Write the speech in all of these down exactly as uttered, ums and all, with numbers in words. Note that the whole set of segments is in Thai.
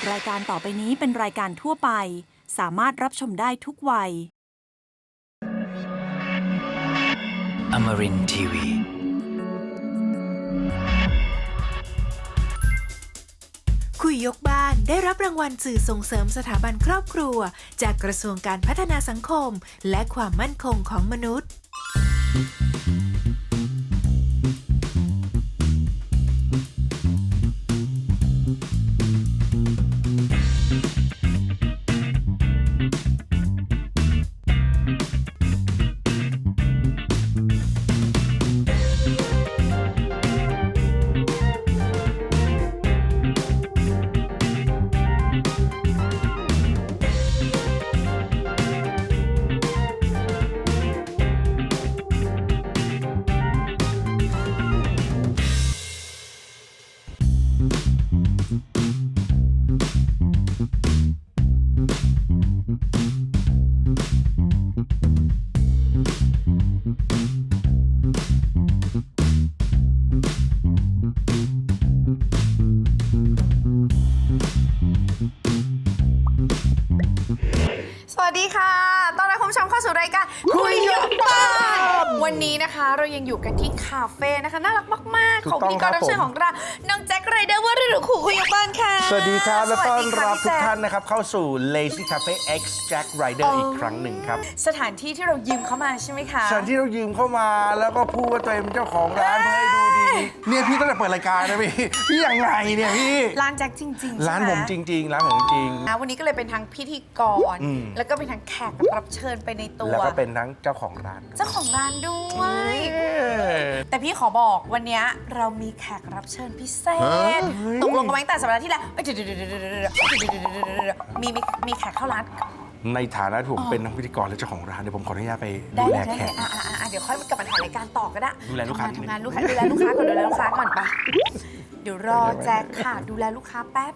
รายการต่อไปนี้เป็นรายการทั่วไปสามารถรับชมได้ทุกวัย Amarin ที วีคุยยกบ้านได้รับรางวัลสื่อส่งเสริมสถาบันครอบครัวจากกระทรวงการพัฒนาสังคมและความมั่นคงของมนุษย์สวัสดีค่ะต้อนรับคุณผู้ชมเข้าสู่รายการคุยยกบ้านวันนี้นะคะเรายังอยู่กันที่คาเฟ่นะคะน่ารักมากๆของพิธีกรรับเชิญของเราน้องแจ็คไรเดอร์ว่าหรือขู่คุยยกบ้านค่ะสวัสดีครับและต้อนรับทุกท่านนนะครับเข้าสู่ Lazy Cafe X Jack Rider อีกครั้งหนึ่งครับสถานที่ที่เรายืมเข้ามาใช่ไหมคะสถานที่เรายืมเข้ามาแล้วก็พูดว่าตัวเองเป็นเจ้าของร้านเพื่อให้ดูดีเนี่ยพี่ตั้งแต่เปิดรายการนะพี่พี่ยังไงเนี่ยพี่ร้านแจ็คจริงๆร้านใช่ไหผมจริง ๆ ร้านผมจริงนะวันนี้ก็เลยเป็นทั้งพิธีกรอืมแล้วก็เป็นทั้งแขกรับเชิญไปในตัวแล้วก็เป็นทั้งเจ้าของร้านเจ้าของร้านด้วยเอ้ยแต่พี่ขอบอกวันนี้เรามีแขกรับเชิญพิเศษเฮ้ยตกลงกันไว้ตั้งแต่สัปดาห์ที่แล้วเอ้ยเดี๋ยวๆๆๆๆมีมีมีแขกเข้าร้านในฐานะที่ผมเป็นทั้งพิธีกรและเจ้าของร้านเดี๋ยวผมขออนุญาตไปได้ดูเลแลยได้แขเลยกอ่ะอ่ะอ่ะเดี๋ยวค่อยกลับมาถ่ายรายการต่อก็ได้ดูแลลูกค้าทำงานทำงานลูกค้าดูแลลูกค้าก่อนดูแลลูกค้าก่อนไปเดี๋ยวรอแจ็คค่ะดูแลลูกค้าแป๊บ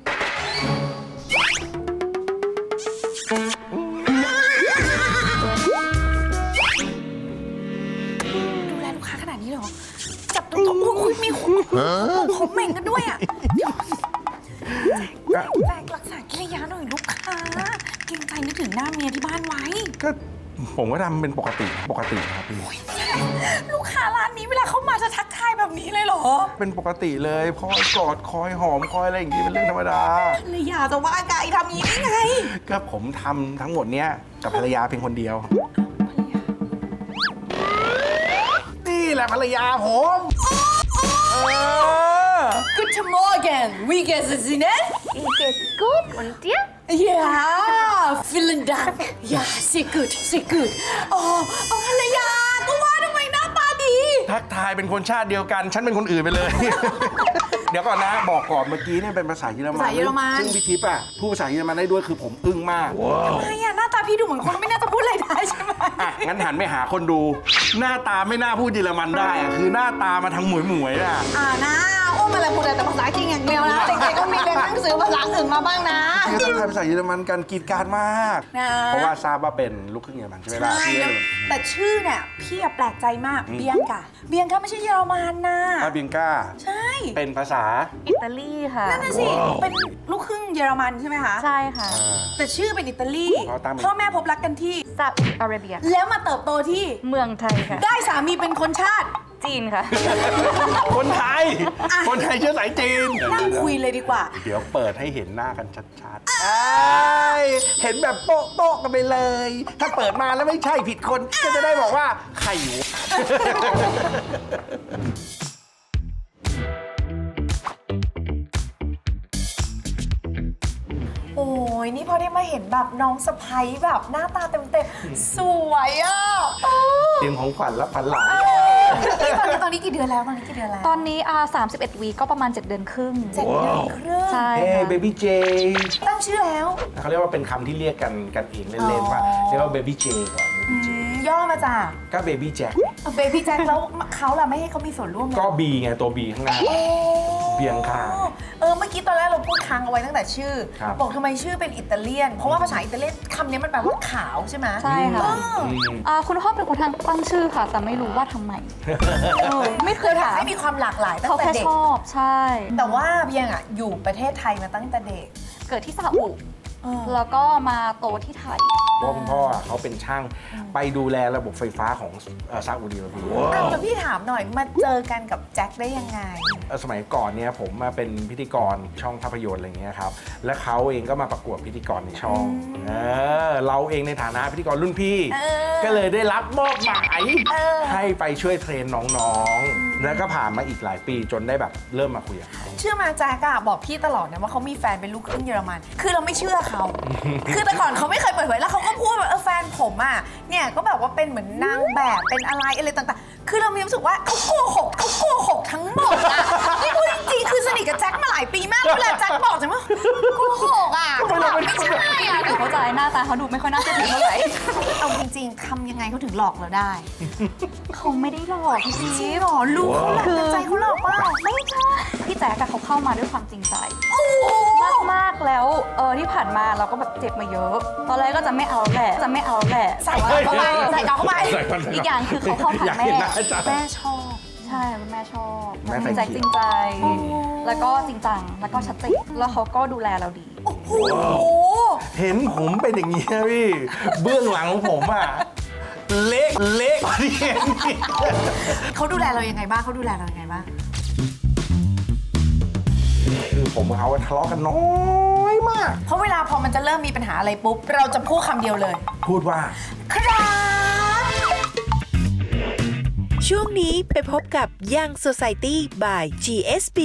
ดูแลลูกค้าขนาดนี้เหรอจับตรงๆอุ้ยมีหัวผมเหม่งกันด้วยอ่ะแจ็คแจ็ครักษากิริยาหน่อยลูกค้าเกรงใจนึกถึงหน้าเมียที่บ้านไว้ก็ผมก็ทำเป็นปกติปกตินะครับพี่ลูกค้าร้านนี้เวลาเข้ามาจะทักทายแบบนี้เลยเหรอเป็นปกติเลยคอยกอดคอยหอมคอยอะไรอย่างนี้เป็นเรื่องธรรมดาภรรยาจะว่าไงทำอย่างนี้ได้ไงก็ผมทำทั้งหมดเนี้ยกับภรรยาเพียงคนเดียว นี่แหละภรรยาผมเออ Guten Morgen wie geht es Ihnen Mir geht's gut und dir? Ja vielen Dank Ja sehr gut sehr gut อ๋อเอาภรรยาก็ว่าทำไมหน้าตาดีทักทายเป็นคนชาติเดียวกัน ฉันเป็นคนอื่นไปเลย เดี๋ยวก่อนนะ บอกก่อนเมื่อกี้เนี่ยเป็นภาษาเยอรมันภาษาเยอรมันซึ่งพี่ทิพย์อ่ะพูดภาษาเยอรมันได้ด้วยคือผมอึ้งมากทำไมอะหน้าตาพี่ดูเหมือนคนไม่น่าจะพูดอะไรได้ใช่ไหมอ่ะงั้นหันไปหาคนดู หน้าตาไม่น่าพูดเยอรมันได้อะคือหน้าตามาทางหมวยหมวยๆอ่ะอ่านะโอ้มาเลยพูดแต่ภาษาจีนอย่างเดียวนะเด็กๆก็มีเรียนหนังสือภาษาอื่นมาบ้างนะคือต้องทายภาษาเยอรมันกันกรีดกรารมากนะเพราะว่าทราบว่าเป็นลูกครึ่งเยอรมันใช่ไหมล่ะใช่พี่เยอรมันแต่ชื่อเนี่ยพี่อะแปลกใจมากเบียงกาเบียงกาไม่ใช่เยอรมันนะอาเบียงก้าใช่เป็นภาษาอิตาลีค่ะนั่นน่ะสิเป็นลูกครึ่งเยอรมันใช่ไหมคะใช่ค่ะอ่าแต่ชื่อเป็นอิตาลีเพราะตั้งเป็นพ่อแม่พบรักกันที่ซาอุดิอาระเบียแล้วมาเติบโตที่เมืองไทยค่ะได้สามีเป็นคนชาติจีนค่ะคนไทย คนไทยเชื้อสายจีนนั่งคุยเลยดีกว่าเดี๋ยวเปิดให้เห็นหน้ากันชัดๆเอ้ยเห็นแบบโป๊ะโป๊ะกันไปเลย ถ้าเปิดมาแล้วไม่ใช่ผิดคน ก็จะได้บอกว่าใครอยู่โอ้ยนี่พอได้มาเห็นแบบน้องสะพ้ยแบบหน้าตาเต็มๆสวยอ่ะโอ้เตรียมของขวัญรับพันหลานยตอนนี้ตอนนี้กี่เดือนแล้วตอนนี้กี่เดือนแล้วตอนนี้อ่าสามสิบเอ็ดวีก็ประมาณ เจ็ด เดือนครึ่งเจ็ดเดือนครึ่งใช่เฮ้ค่ะเบบี้เจตั้งชื่อแล้วเขาเรียกว่าเป็นคำที่เรียกกันกันเองเล่นๆว่าเรียกว่าเบบี้เจก่อนอืมย่อมาจากก็เบบี้แจ็คเบบี้แจ็คแล้วเขาล่ะไม่ให้เขามีส่วนร่วมเลยก็บีไงตัวบีข้างหน้าโอ้เบียงค่ะเออเมื่อกี้ตอนแรกเราพูดค้างเอาไว้ตั้งแต่ชื่อครับบอกทำไมชื่อเป็นอิตาเลียน เพราะว่าภาษาอิตาเลียนคำนี้มันแปลว่าขาวใช่ไหมใช่ค่ะเอออืมอ่าคุณพ่อเป็นคนตั้งชื่อค่ะ แต่ไม่รู้ว่าทำไมเออไม่เคยถามให้มีความหลากหลายตั้เขางแต่แค่เด็กชอบใช่แต่ว่าเบียงอ่ะอยู่ประเทศไทยมาตั้งแต่เด็กเกิดที่ซาอุแล้วก็มาโตที่ไทยเพราะคุณพ่อเขาเป็นช่างไปดูแลระบบไฟฟ้าของเอ่อซาอุดิอาระเบียอ้าวแล้วพี่ถามหน่อยมาเจอกันกับแจ็คได้ยังไงเอ่อสมัยก่อนเนี่ยผมมาเป็นพิธีกรช่องภาพยนตร์อะไรเงี้ยครับและเขาเองก็มาประกวดพิธีกรในช่องเออเราเองในฐานะพิธีกรรุ่นพี่เออก็เลยได้รับมอบหมายเออให้ไปช่วยเทรนน้องๆ แล้วก็ผ่านมาอีกหลายปีจนได้แบบเริ่มมาคุยกับเขาเชื่อมาแจ็คอะบอกพี่ตลอดนะว่าเขามีแฟนเป็นลูกครึ่งเยอรมัน คือเราไม่เชื่อเขา คือแต่ก่อนเขาไม่เคยเปิดเผยแล้วเขาก็พูดแบบเออแฟนผมอะเนี่ยก็แบบว่าเป็นเหมือนนางแบบเป็นอะไรอะไรต่างๆ คือเรามีความรู้สึกว่าเขาโกหกเขาโกหกทั้งหมดอะนี่พูดจริงๆคือสนิทกับแจ็คมาหลายปีมากเวลาแจ็คบอกจะว่าโกหกอะเขาบอกไม่ใช่อะหนูเข้าใจหน้าตาเขาดูไม่ค่อยน่าเชื่อถือเท่าไหร่เอาจริงๆทำยังไงเขาถึงหลอกเราได้เขาไม่ได้หลอกพี่จริจิ๊งบเหรอลูกเขาหลอกแต่ใจเขาหลอกเปล่าไม่ใช่พี่แจ๊กอะเขาเข้ามาด้วยความจริงใจโอ้โหมากมากๆแล้วเออที่ผ่านมาเราก็แบบเจ็บมาเยอะ ตอนแรกก็จะไม่เอาแหละจะไม่เอาแหละใส่เขาเข้าไปใส่เขาเข้าไปอีกอย่างคือเขาเข้าหาอยากแม่เห็นหน้าจ๊ะแม่ชอบใช่คุณแม่ชอบแม่ไฟพี่แจ๊กเขียวจริงใจ แล้วก็จริงจังแล้วก็ชัดเจนแล้วเขาก็ดูแลเราดีโอ้โหเห็นผมเป็นอย่างนี้ยพี่ เบื้องหลังของผมอะเละเละกว่าที่เห็นอีกเขาดูแลเรายังไงบ้างเขาดูแลเรายังไงบ้างคือผมกับเขาทะเลาะกันน้อยมากเพราะเวลาพอมันจะเริ่มมีปัญหาอะไรปุ๊บ เราจะพูดคำเดียวเลยพูดว่าครับช่วงนี้ไปพบกับ Young Society by จี เอส บี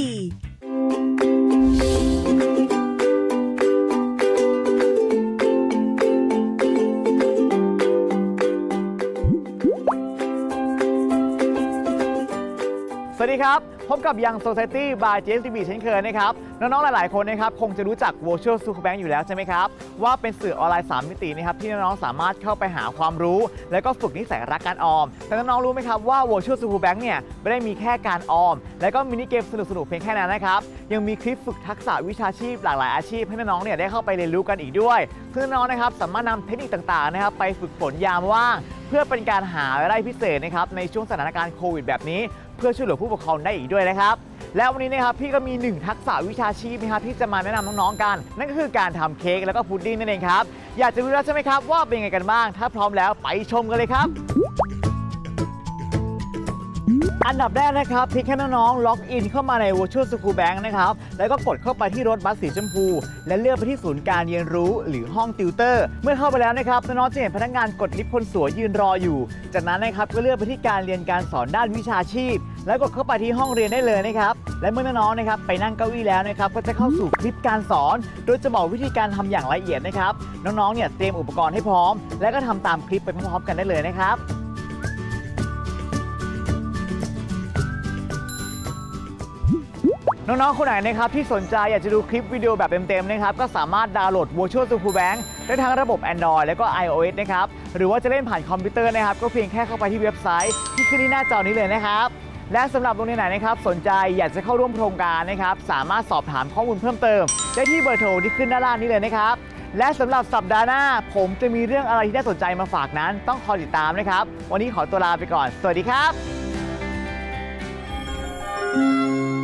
สวัสดีครับ พบกับ Young Society by จี เอส บี เช่นเคยนะครับ น้องๆ หลายๆ คนนะครับคงจะรู้จัก Virtual School Bank อยู่แล้วใช่ไหมครับ ว่าเป็นสื่อออนไลน์ สาม มิตินะครับที่น้องๆ สามารถเข้าไปหาความรู้ และก็ฝึกนิสัยรักการออม แต่น้องๆ รู้ไหมครับว่า Virtual School Bank เนี่ยไม่ได้มีแค่การออม และก็มินิเกมสนุกๆ เพียงแค่นั้นนะครับ ยังมีคลิปฝึกทักษะวิชาชีพหลากหลายอาชีพให้น้องๆ เนี่ยได้เข้าไปเรียนรู้กันอีกด้วยซึ่งน้องๆ นะครับสามารถนำเทคนิคต่างๆ นะครับไปฝึกฝนยามว่าง เพื่อเป็นการหารายได้พิเศษนะครับในช่วงสถานการณ์โควิดแบบนี้ เพื่อช่วยเหลือผู้ปกครองได้อีกด้วยนะครับและวันนี้นะครับพี่ก็มีหนึ่งทักษะวิชาชีพนะครับที่จะมาแนะนำน้องๆกัน นั่นก็คือการทำเค้กแล้วก็พุดดิ้งนั่นเองครับอยากจะรู้แล้วใช่ไหมครับว่าเป็นยังไงกันบ้างถ้าพร้อมแล้วไปชมกันเลยครับอันดับแรกนะครับเพียงแค่น้องๆล็อกอินเข้ามาใน Virtual School Bank นะครับแล้วก็กดเข้าไปที่รถบัสสีชมพูและเลือกไปที่ศูนย์การเรียนรู้หรือห้องติวเตอร์เมื่อเข้าไปแล้วนะครับน้องๆจะเห็นพนักงานกดลิฟต์คนสวยยืนรออยู่จากนั้นนะครับก็เลือกไปที่การเรียนการสอนด้านวิชาชีพแล้วกดเข้าไปที่ห้องเรียนได้เลยนะครับและเมื่อน้องๆนะครับไปนั่งเก้าอี้แล้วนะครับก็จะเข้าสู่คลิปการสอนโดยจะบอกวิธีการทำอย่างละเอียดนะครับน้องๆเนี่ยเตรียมอุปกรณ์ให้พร้อมและก็ทำตามคลิปไปพร้อมๆกันได้เลยนะครับน้องๆ คนไหนนะครับที่สนใจอยากจะดูคลิปวิดีโอแบบเต็มๆนะครับก็สามารถดาวน์โหลด Virtual School Bank ได้ทั้งระบบ Android และก็ iOS นะครับหรือว่าจะเล่นผ่านคอมพิวเตอร์นะครับก็เพียงแค่เข้าไปที่เว็บไซต์ที่ขึ้นที่หน้าจอนี้เลยนะครับและสำหรับโรงเรียนไหนนะครับสนใจอยากจะเข้าร่วมโครงการนะครับสามารถสอบถามข้อมูลเพิ่มเติมได้ที่เบอร์โทรที่ขึ้นด้านล่างนี้เลยนะครับและสำหรับสัปดาห์หน้าผมจะมีเรื่องอะไรที่น่าสนใจมาฝากนั้นต้องคอยติดตามนะครับวันนี้ขอตัวลาไปก่อนสวัสดีครับ